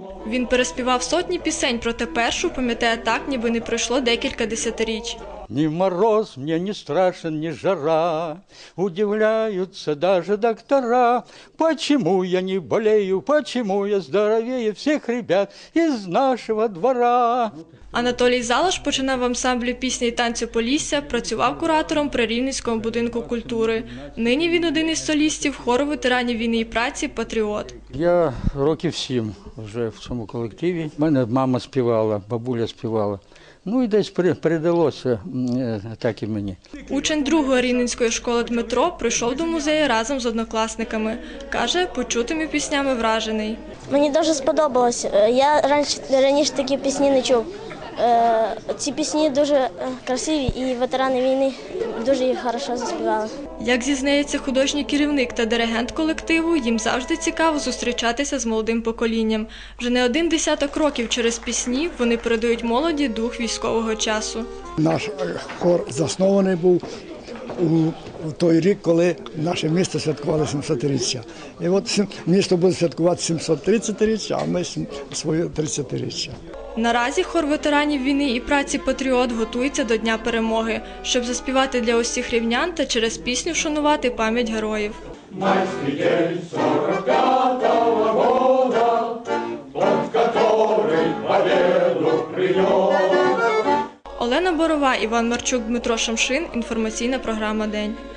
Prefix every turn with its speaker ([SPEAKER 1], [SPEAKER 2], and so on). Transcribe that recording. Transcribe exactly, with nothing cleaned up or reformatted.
[SPEAKER 1] Він переспівав сотні пісень, проте першу пам'ятає так, ніби не пройшло декілька десятиріч.
[SPEAKER 2] Ни мороз мне не страшен, ни жара, удивляются даже доктора. Почему я не болею, почему я здоровее всех ребят из нашего двора?
[SPEAKER 1] Анатолій Залош починав в ансамблі пісні і танцю «Полісся», працював куратором при Рівненському будинку культури. Нині він один із солістів хору ветеранів війни і праці «Патріот».
[SPEAKER 2] Я років сім вже в цьому колективі. У мене мама співала, бабуля співала. Ну і десь передалося так і мені.
[SPEAKER 1] Учень другої Рівненської школи Дмитро прийшов до музею разом з однокласниками. Каже, почутими піснями вражений.
[SPEAKER 3] Мені дуже сподобалось. Я раніше, раніше такі пісні не чув. Ці пісні дуже красиві і ветерани війни дуже їх добре заспівали.
[SPEAKER 1] Як зізнається художній керівник та диригент колективу, їм завжди цікаво зустрічатися з молодим поколінням. Вже не один десяток років через пісні вони передають молоді дух військового часу.
[SPEAKER 4] Наш хор заснований був у той рік, коли наше місто святкувало сімсотріччя. І от місто буде святкувати сімсотридцятиріччя, а ми своє тридцятиріччя.
[SPEAKER 1] Наразі хор ветеранів війни і праці «Патріот» готується до Дня перемоги, щоб заспівати для усіх рівнян та через пісню вшанувати пам'ять героїв.
[SPEAKER 5] Майський день сорок п'ятого года, тот, который победу принес.
[SPEAKER 1] Олена Борова, Іван Марчук, Дмитро Шамшин. Інформаційна програма «День».